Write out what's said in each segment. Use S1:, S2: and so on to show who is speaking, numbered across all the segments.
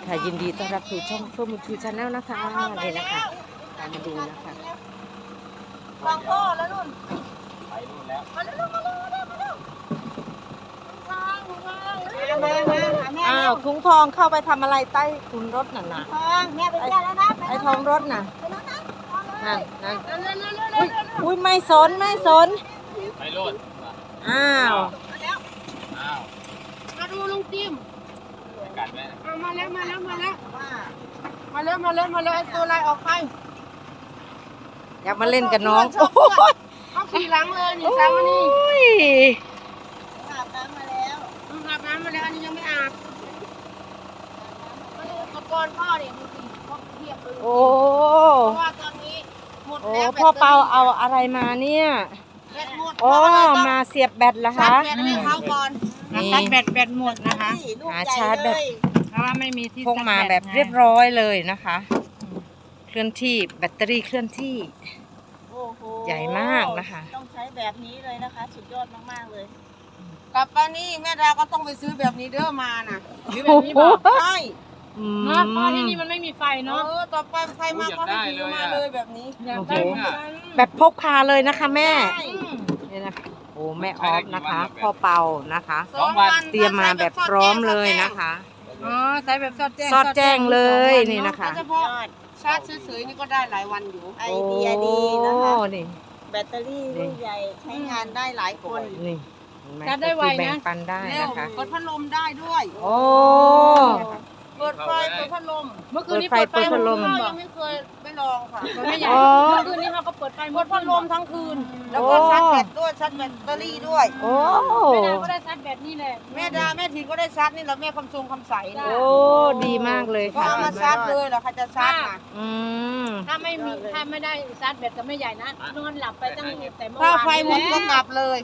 S1: ค่ะยินดีต้อนรับสู่ช่องเฟิร์มทูชาแนลนะคะนี่นะคะตามมาดูนะคะ
S2: ฟังพ่อแล้วนุ่น
S3: ไปนู่นแล้ว
S2: มาเร็วมาเร็วมาเร็วมาเร็วทางมาหาแม่
S1: อ้าวถุงทองเข้าไปทำอะไรใต้ถุนรถน่ะนะ
S2: ทองแม่ไปเที่ยวแล้วนะ
S1: ไอ้ทองรถน่ะ
S2: ไปแล้วนะ
S1: นั่นนั่น
S2: เร็วเร็วเร็วเร็ว
S1: อุ้ยอุ้ยไม่สนไม่สน
S3: ไปโลด
S1: อ้าว
S2: มาแล้ว
S3: อ้าว
S2: มาดูลุงจิม
S3: ไปกัดไหม
S2: มาแล้วมาแล้วมาแล้วมาแล้วมาแล้วมาแล้วไอ้ตัวลายออกไป
S1: อยากมาเล่นกับน้อง
S2: ชอบเพื่อน เขาขี่หลังเลยนี่สามอันนี้
S1: โอ้ย
S2: อาบน้ำมาแล้วอาบน้ำมาแล้วอันนี้ยังไม่อาบมาดูอุปกรณ์พ่อเนี่ยดูสิพ่อเทียบเลย
S1: โอ้
S2: เพราะว่าตอนนี้หมด
S1: โอ้
S2: แล้ว
S1: พ่อเปาเอาอะไรมาเนี่ย
S2: แบตหมด
S1: โอ้มาเสียบแบตเหรอ
S2: ชา
S1: คะ
S2: ร์จแบตให้เขาก่อน
S1: นี่
S4: ชาร์จแบตหมดนะคะ
S1: หาชาร์จแบต
S4: เพราะว่าไม่มีที่
S1: พกมา
S4: ชร์จ
S1: แบบ
S4: ไง
S1: เรียบร้อยเลยนะคะ เคลื่อนที่แบตเตอรี่เคลื่อนที่
S2: โอ้โห
S1: ใหญ่มากนะคะ
S2: ต้องใช้แบบนี้เลยนะคะ สุดยอดมากๆเลยกลับมานี่แม่ดาก็ต้องไปซื้อแบบนี้เด้อมาน่ะ
S4: หรือแบบนี้บอก
S2: ใช่
S1: อืม
S4: เนาะเพราะที่นี่มันไม่มีไฟเนาะ
S2: ต่อไปใครมาก็ให้ซื้อมาเลยแบบนี้
S4: อยากได้เหมือนกัน
S1: แบบพกพาเลยนะคะแม่
S2: ใช่
S1: นี่นะคะโอ้แม่ออฟนะคะพ่อเปานะคะ
S2: สองวัน
S1: เตรียมมาแบบพร้อมเลยนะคะ
S4: อ๋อใช้แบบสอดแจ้ง
S1: สอดแจ้งเลยนี่นะคะ
S2: เฉพาะชาร์จเฉยๆนี่ก็ได้หลายวันอยู่ไอ
S1: โอ้
S2: เดียดีนะคะ
S1: นี่
S2: แบตเตอรี่ลูกใหญ่ใช้งานได้หลายคน
S1: นี่เห็นหม
S4: ชาร์จได้ไว
S1: คือแบ่
S4: นะ
S1: งปันได้
S2: เร็ว
S1: นะคะ
S2: เปิดพัดลมได้ด้วย
S1: โอ้
S2: เปิดไฟเปิดพัดลม
S4: เมื่อคืนนี้
S1: เปิ
S4: เปิ
S1: ด
S4: ด
S1: ไฟ
S4: ไฟ
S1: เปิดพัดลม
S2: เรายังไม่เคยไม่ลองค่ะ
S4: มันไม่ใหญ่
S1: อ๋อ
S4: เมื่อคืนนี้เขาก็เปิดไฟ
S2: เปิดพัดลมทั้งคืน แล้วก็ชาร์จแบตด้วยชาร์จแบตเตอรี่ด้วย
S1: โอ้
S4: ไม่ได้ก็ได้ชาร์จแบตนี่แหละ
S2: แม่ดาแม่ทีก็ได้ชาร์จนี่แหละแม่คำทรงคำใสนี่
S1: โอ้ดีมากเลย
S2: ก็
S1: ค่ะ
S2: เอามาชาร์จเลยเหรอใครจะชาร์จน่ะ
S1: อืม
S4: ถ้าไม่มีถ้าไม่ได้ชาร์จแบตก็ไม่ใหญ่นะนอนหลับไปตั้งแต่เมื่อ
S2: ถ้าว
S4: าน
S2: ไฟหมดก็กลับเลย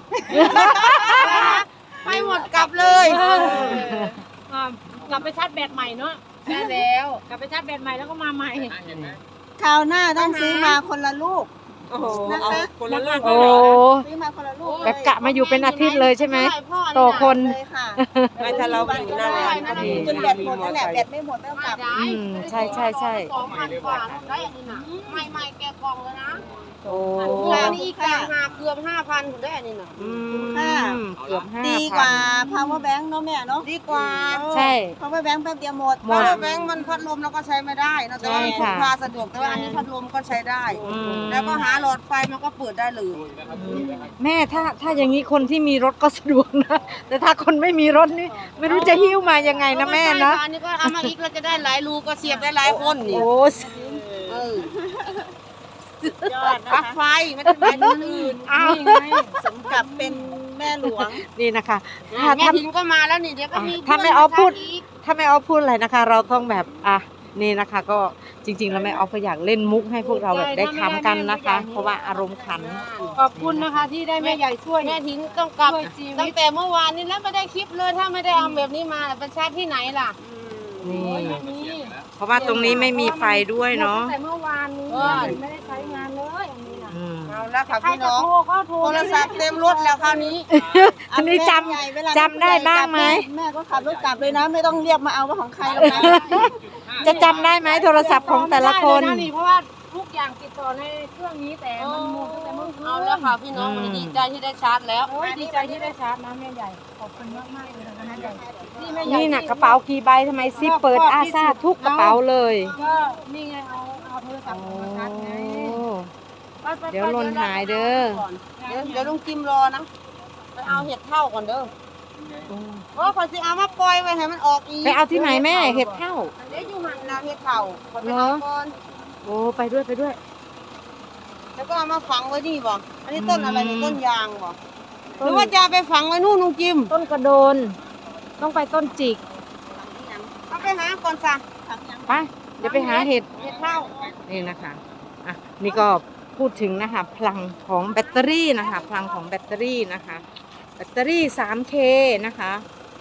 S2: ไฟหมดกลับเลย
S4: กลับไปชาร์จแบตใหม่เนาะ
S2: ใช่แล้ว
S4: กลับไปชาร์จแบตใหม่แล้วก็มาใหม่
S3: เห็นไหม
S2: คราวหน้าต้องซื้อมาคนละลูก
S1: โอ้โห
S2: นะคะ
S1: คนละลูกโอ้
S2: ซื้อมาคนละลูก
S1: แบบกะมาอยู่เป็นอาทิตย์เลยใช่ไหมต่อคน
S2: เลยค่ะไม่ถ้าเราอยู่นั่นแหละจนแบตหมดนั่นแหละแบตไม่หมดแล้วกลับ
S1: อืมใช่ใช่ใช่
S2: 2,000 กว่าได้อันนี้นะใหม่ๆแกะกล่องแล้วนะ
S1: โอ้
S2: อันนี้อีกต่างหากเกือบ 5,000คุณได้อันนี้นะ
S1: อืมเกือบ5,000
S2: ดีกว่า power bank เนาะแม่เนาะดีกว่า
S1: ใช่
S2: power bank แป๊บเดียวหมด
S1: หมด
S2: power bank มันพัดลมแล้วก็ใช้ไม่ได้นะแต่ว่ามันพกพาสะดวกแต่ว่าอันนี้พัดลมก็ใช้ได้
S1: อืม
S2: แล้วก็หาหลอดไฟมันก็เปิดได้เลย
S1: แม่ถ้าอย่างนี้คนที่มีรถก็สะดวกนะแต่ถ้าคนไม่มีรถนี่ไม่รู้จะหิ้วมายังไงนะแม่นะ
S2: อันนี้ก็เอามาอีกเราจะได้หลายรูก็เสียบได้หลายคนนี่
S1: โอ้
S2: เออยอดนะคะไฟไม่ได้หมายถึงอื่น
S1: อ้าว
S2: นี่ไงสมกับเป็นแม่หลวง
S1: นี่นะคะ
S2: แม่ทินก็มาแล้วนี่เดี๋ยวก็มี
S1: ถ้าไม่เอาพูด ถ้าไม่เอาพูดอะไรนะคะ เราต้องแบบนี่นะคะ ก็จริงๆแล้วแม่ออฟก็อยากเล่นมุกให้พวกเราแบบได้ขำกันนะคะ เพราะว่าอารมณ์ขัน
S4: ขอบคุณนะคะที่ได้แม่ใหญ่ช่วย
S2: แม่ทินต้องกลับ
S4: ช่วยชีวิต
S2: ตั้งแต่เมื่อวานนี้แล้วไม่ได้คลิปเลยถ้าไม่ได้เอาแบบนี้มาไปชาร์จที่ไหนล่ะ
S1: นี่
S4: นี่
S1: เพราะว่าตรงนี้ไม่มีไฟด้วยเนาะ
S4: ตั้งแต่เมื่อวานนี้ไม่ได้ใช้งานเลยอันนี้นะ
S1: อืม
S2: เอาละค่ะ
S4: ใคร
S2: พี่
S4: จะ
S2: น้อง
S4: โทรก็โทร
S2: โทรศัพท์เต็มรถแล้วคราวนี้
S1: อันนี้จำได้บ้างไหม
S2: แม่ก็ขับรถกลับเลยนะ ไม่ต้องเรียกมาเอาว่าของใครหรอกนะ
S1: จะจำได้ไหมโทรศัพท์ของแต่ละคน
S4: ไม่ได้เลยะเพราะว่าทุกอย่างติดต่อในเครื่องนี้แต่มันหมดตั้งแต่เมื่อคืน
S2: เอาแล้วค่ะพี่น้องวันนี้ดีใจที่ได้ชาร์จแล้ว
S4: โอ้ยดีใจที่ได้ชาร์จนะแม่ใหญ่ขอบคุณมากๆเลยนะคะแม่ใหญ่ที่แม่ใหญ่
S1: นี่นะกระเป๋ากี่ใบทำไมซิปเปิดอาซาทุกกระเป๋าเลย
S4: ก็นี่ไงเอาโทรศัพท์มาชาร์จไง ไปๆๆ
S1: เดี๋ยวหล่นหายเด้อ
S2: เดี๋ยวลุงจิมรอนะไปเอาเห็ดเท่าก่อนเด้อเพราะเขาจะเอามาปล่อยไว้ให้มันออกอีก
S1: ไปเอาที่ไหนแม่เห็ดเท่า
S2: เดี๋ยวอยู่หันนาเห็ดเท่าขอไปเอาก่อน
S1: โอ้ไปด้วยไปด้วย
S2: แล้วก็เอามาฝังไว้นี่บ่อันนี้ต้นอะไรนี่ต้นยางบ่หรือว่าจะเอาไปฝังไว้นู่นลุงจิม
S1: ต้นกระโดน ต้องไปต้นจิก
S2: เอาไปหาก่อนซะ
S1: ไปเดี๋ยวไปหาเห็ด
S2: เห็ดเท่า
S1: นี่นะคะอ่ะนี่ก็พูดถึงนะคะพลังของแบตเตอรี่นะคะ พลังของแบตเตอรี่นะคะ แบตเตอรี่ 3K นะคะ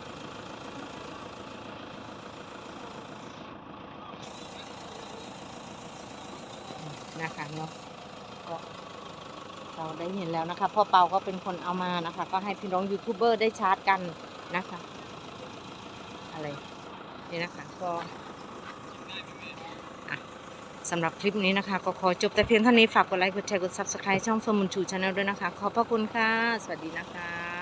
S1: นะคะเนาะก็เราได้เห็นแล้วนะคะพ่อเปาก็เป็นคนเอามานะคะ ก็ให้พี่น้องยูทูบเบอร์ได้ชาร์จกันนะคะอะไรนี่นะคะก็สำหรับคลิปนี้นะคะก็ขอจบแต่เพียงเท่านี้ฝากกดไลค์กดแชร์กด Subscribe ช่องเฟิร์มบุญชูชาแนลด้วยนะคะขอบพระคุณค่ะสวัสดีนะคะ